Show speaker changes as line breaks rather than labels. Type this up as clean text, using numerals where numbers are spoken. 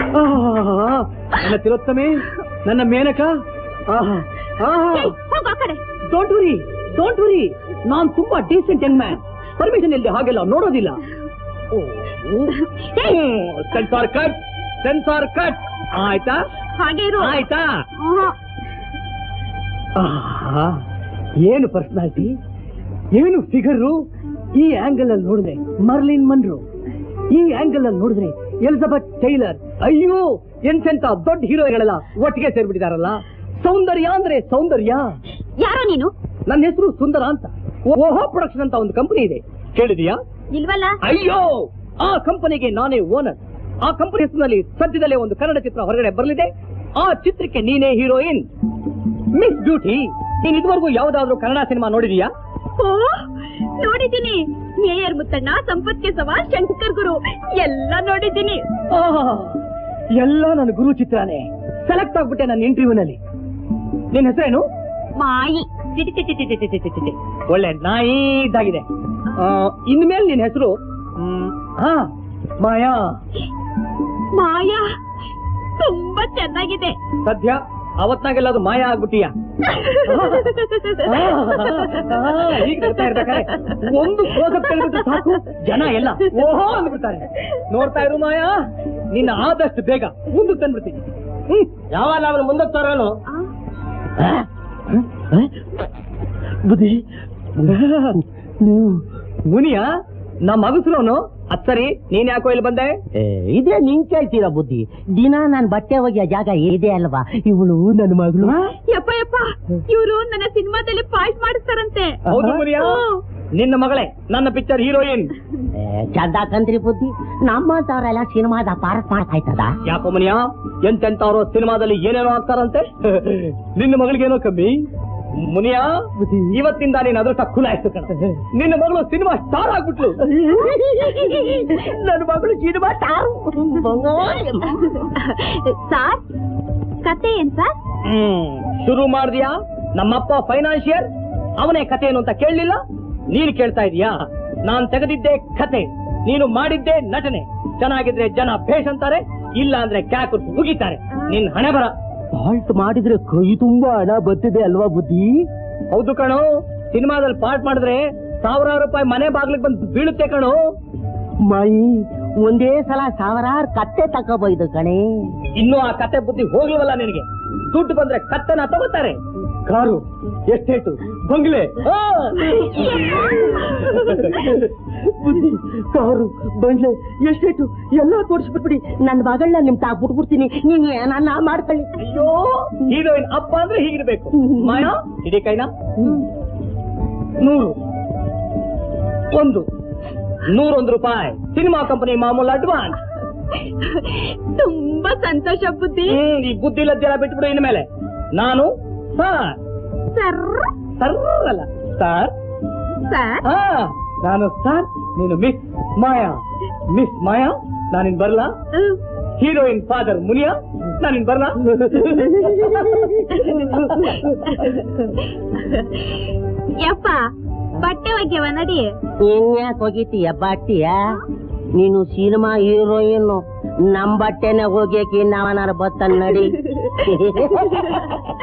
ನನ್ನ ತಿಲೋತ್ತಮೆ, ನನ್ನ Menaka. Don't worry, ನಾನ್ ತುಂಬಾ ಡೀಸೆಂಟ್ ಯಂಗ್ ಮ್ಯಾನ್. ಪರ್ಮಿಷನ್ ಇಲ್ಲದೆ ಹಾಗೆಲ್ಲ ನೋಡೋದಿಲ್ಲ. ಸೆನ್ಸಾರ್ ಕಟ್ ಆಯ್ತಾ? ಆಯ್ತಾ? ಏನು ಪರ್ಸನಾಲಿಟಿ, ಏನು ಫಿಗರು. ಈ ಆಂಗಲ್ ಅಲ್ಲಿ ನೋಡಿದ್ರೆ ಮರ್ಲಿನ್ ಮನ್ರೋ, ಈ ಆಂಗಲ್ ಅಲ್ಲಿ ನೋಡಿದ್ರೆ ಎಲಿಜಬೆತ್ ಟೈಲರ್. ಅಯ್ಯೋ, ಎಂತೆಂತ ದೊಡ್ಡ ಹೀರೋಗಳೆಲ್ಲ ಒಟ್ಟಿಗೆ ಸೇರ್ಬಿಟ್ಟಿದಾರಲ್ಲ. ಸೌಂದರ್ಯ ಅಂದ್ರೆ ಸೌಂದರ್ಯ.
ಯಾರೋ ನೀನು?
ನನ್ನ ಹೆಸರು ಸುಂದರ ಅಂತ. ಓಹೋ ಪ್ರೊಡಕ್ಷನ್ ಅಂತ ಒಂದು ಕಂಪನಿ ಇದೆ, ಕೇಳಿದೀಯಾ?
ಇಲ್ವಲ್ಲ.
ಅಯ್ಯೋ, ಆ ಕಂಪನಿಗೆ ನಾನೇ ಓನರ್. ಆ ಕಂಪನಿ ಹೆಸರಿನಲ್ಲಿ ಸದ್ಯದಲ್ಲೇ ಒಂದು ಕನ್ನಡ ಚಿತ್ರ ಹೊರಗಡೆ ಬರಲಿದೆ. ಆ ಚಿತ್ರಕ್ಕೆ ನೀನೇ ಹೀರೋಯಿನ್, ಮಿಸ್ ಬ್ಯೂಟಿ. ನೀನ್ ಇದುವರೆಗೂ ಯಾವ್ದಾದ್ರು ಕನ್ನಡ ಸಿನಿಮಾ ನೋಡಿದೀಯಾ?
ನೋಡಿದ್ದೀನಿ. ಮೇಯರ್ ಮುತ್ತಣ್ಣ, ಸಂಪತ್ ಕೇಶವ, ಶಂಕರ್ ಗುರು ಎಲ್ಲ ನೋಡಿದ್ದೀನಿ.
ಎಲ್ಲ ನನ್ನ ಗುರು ಚಿತ್ರನೇ. ಸೆಲೆಕ್ಟ್ ಆಗ್ಬಿಟ್ಟೆ ನನ್ನ ಇಂಟರ್ವ್ಯೂನಲ್ಲಿ. ನಿನ್ ಹೆಸರೇನು?
ಮಾಯಿ.
ಒಳ್ಳೆ ನಾಯಿ ಇದ್ದಾಗಿದೆ. ಇನ್ಮೇಲೆ ನಿನ್ ಹೆಸರು ಮಾಯಾ.
ಮಾಯಾ ತುಂಬಾ ಚೆನ್ನಾಗಿದೆ.
ಸದ್ಯ ಅವತ್ನಾಗೆಲ್ಲದು ಮಾಯಾ ಆಗ್ಬಿಟ್ಟಿಯ. ಈಗ ಗೊತ್ತಾ ಇರ್ಬೇಕಾರೆ ಒಂದು ಕ್ಲೋಸಪ್ ಕೇಳ್ಬಿಟ್ಟು ಸಾಕು, ಜನ ಎಲ್ಲ ಓಹೋ ಅಂದ್ಬಿಡ್ತಾರೆ. ನೋಡ್ತಾ ಇರು ಮಾಯಾ, ನಿನ್ನ ಆದಷ್ಟು ಬೇಗ ಮುಂದಕ್ಕೆ ತಂದ್ಬಿಡ್ತೀನಿ. ಯಾವಾಗ ಅವನು ಮುಂದಕ್ಕೆ ತರೋನು ಬುದ್ಧಿ. ನೀವು ಮುನಿಯಾ? ನಮ್ಮ ಮಗಸ್ರೋನು. ಅದ್ ಸರಿ, ನೀನ್ ಯಾಕೋ ಇಲ್ಲಿ ಬಂದೆ?
ಇದೇ ನಿನ್ ಕೇಳ್ತೀರಾ ಬುದ್ಧಿ? ದಿನ ನಾನ್ ಬಟ್ಟೆ ಒಗೆಯ ಜಾಗ ಇದೆ ಅಲ್ವಾ? ಇವಳು ನನ್ನ ಮಗಳು.
ಯಪ್ಪ ಯಪ್ಪ, ಇವರು ನನ್ನ ಸಿನಿಮಾದಲ್ಲಿ ಪಾಯಿಂಟ್ ಮಾಡಿಸ್ತಾರಂತೆ.
ಹೌದು ಮುನಿಯಾ, ನಿನ್ನ ಮಗಳೇ ನನ್ನ ಪಿಕ್ಚರ್ ಹೀರೋಯಿನ್.
ಚಂದ ಕಂತ್ರಿ ಬುದ್ಧಿ, ನಮ್ಮಂತವ್ರೆಲ್ಲ ಸಿನಿಮಾದ ಪಾರ್ಟ್ ಮಾಡ್ತಾಯ್ತದ.
ಯಾಕೋ ಮುನಿಯಾ, ಎಂತೆಂತವ್ರು ಸಿನಿಮಾದಲ್ಲಿ ಏನೇನೋ ಆಗ್ತಾರಂತೆ. ನಿನ್ನ ಮಗಳಿಗೇನೋ ಕಮ್ಮಿ. ಮುನಿಯಾ, ಇವತ್ತಿಂದ ನೀನ್ ಅದೃಷ್ಟ ಖುಲಾಯಿಸ್ತು ಕಣ. ನಿನ್ನ ಮಗಳು ಸಿನಿಮಾ ಸ್ಟಾರ್ ಆಗ್ಬಿಟ್ಲು.
ನನ್ನ ಮಗಳು ಸಿನಿಮಾ ಸ್ಟಾರ್.
ಸಾರ್, ಕತೆ ಏನ್ ಸರ್?
ಶುರು ಮಾಡಿದ್ಯಾ? ನಮ್ಮಪ್ಪ ಫೈನಾನ್ಷಿಯರ್, ಅವನೇ ಕತೆ ಏನು ಅಂತ ಕೇಳಲಿಲ್ಲ. ನೀನು ಕೇಳ್ತಾ ಇದೀಯಾ? ನಾನ್ ತೆಗೆದಿದ್ದೆ ಕತೆ, ನೀನು ಮಾಡಿದ್ದೆ ನಟನೆ. ಚೆನ್ನಾಗಿದ್ರೆ ಜನ ಭೇಷ್ ಅಂತಾರೆ, ಇಲ್ಲ ಅಂದ್ರೆ ಕ್ಯಾಕು ಮುಗಿತಾರೆ. ನಿನ್ ಹಣೆ ಬರ.
ಪಾಲ್ಟ್ ಮಾಡಿದ್ರೆ ಕೈ ತುಂಬಾ ಹಣ ಬರ್ತಿದೆ ಅಲ್ವಾ ಬುದ್ಧಿ?
ಹೌದು ಕಣೋ, ಸಿನಿಮಾದಲ್ಲಿ ಪಾರ್ಟ್ ಮಾಡಿದ್ರೆ ಸಾವಿರಾರು ರೂಪಾಯಿ ಮನೆ ಬಾಗ್ಲಿಗೆ ಬಂದು ಬೀಳುತ್ತೆ ಕಣೋ.
ಮಾಯಿ, ಒಂದೇ ಸಲ ಸಾವಿರಾರು ಕತ್ತೆ ತಕೋಬೈದು ಕಣೆ.
ಇನ್ನು ಆ ಕತೆ ಬುದ್ಧಿ ಹೋಗ್ಲಿವಲ್ಲ ನಿನಗೆ. ದುಡ್ಡು ಬಂದ್ರೆ ಕತ್ತೆನ ತಗೋತಾರೆ. ಕಾರು, ಎಸ್ಟೇಟು, ಬಂಗ್ಲೆ.
ಬುದ್ಧಿ, ಕಾರು, ಬಂಗ್ಲೆ, ಎಸ್ಟೇಟು ಎಲ್ಲ ತೋರಿಸ್ಬಿಟ್ಬಿಡಿ. ನನ್ನ ಮಗಳನ್ನ ನಿಮ್ ತಾಗ್ ಬಿಟ್ಬಿಡ್ತೀನಿ. ನೀವ್ ಏನನ್ನ ಮಾಡ್ಕೊಳ್ಳಿ.
ಅಯ್ಯೋ, ಹೀರೋಯಿನ್ ಅಪ್ಪ ಅಂದ್ರೆ ಹೀಗಿರ್ಬೇಕು. ಮಾಯಾ, ಇಡೀ ಕೈನಾ? 101 ರೂಪಾಯಿ ಸಿನಿಮಾ ಕಂಪನಿ ಮಾಮೂಲು ಅಡ್ವಾನ್ಸ್.
ತುಂಬಾ ಸಂತೋಷ ಬುದ್ಧಿ.
ಈ ಬುದ್ಧಿ ಲಜ್ಜೆಲ್ಲ ಬಿಟ್ಬಿಡು. ಇನ್ಮೇಲೆ ನಾನು ಸರ್. ಸರ್ ಅಲ್ಲ, ಸರ್. ನಾನು ಸರ್, ನೀನು ಮಿಸ್ ಮಾಯಾ. ಮಿಸ್ ಮಾಯಾ, ನಾನಿನ್ ಬರ್ಲಾ? ಹೀರೋಯಿನ್ ಫಾದರ್ ಮುನಿಯಾ, ನಾನಿನ್ ಬರ್ಲಾ?
ಯಪ್ಪ, ಬಟ್ಟೆ ಒಗ್ಯವ ನಡಿ.
ಇನ್ಯಾಕ್ ಹೋಗಿತೀಯ ಬಟ್ಟೆಯ? ನೀನು ಸಿನಿಮಾ ಹೀರೋಯಿನ್, ನಮ್ ಬಟ್ಟೆನೆ ಹೋಗ್ಯಕ್ಕೆ ನಾವನಾರ ಬತ್ತ ನಡಿ.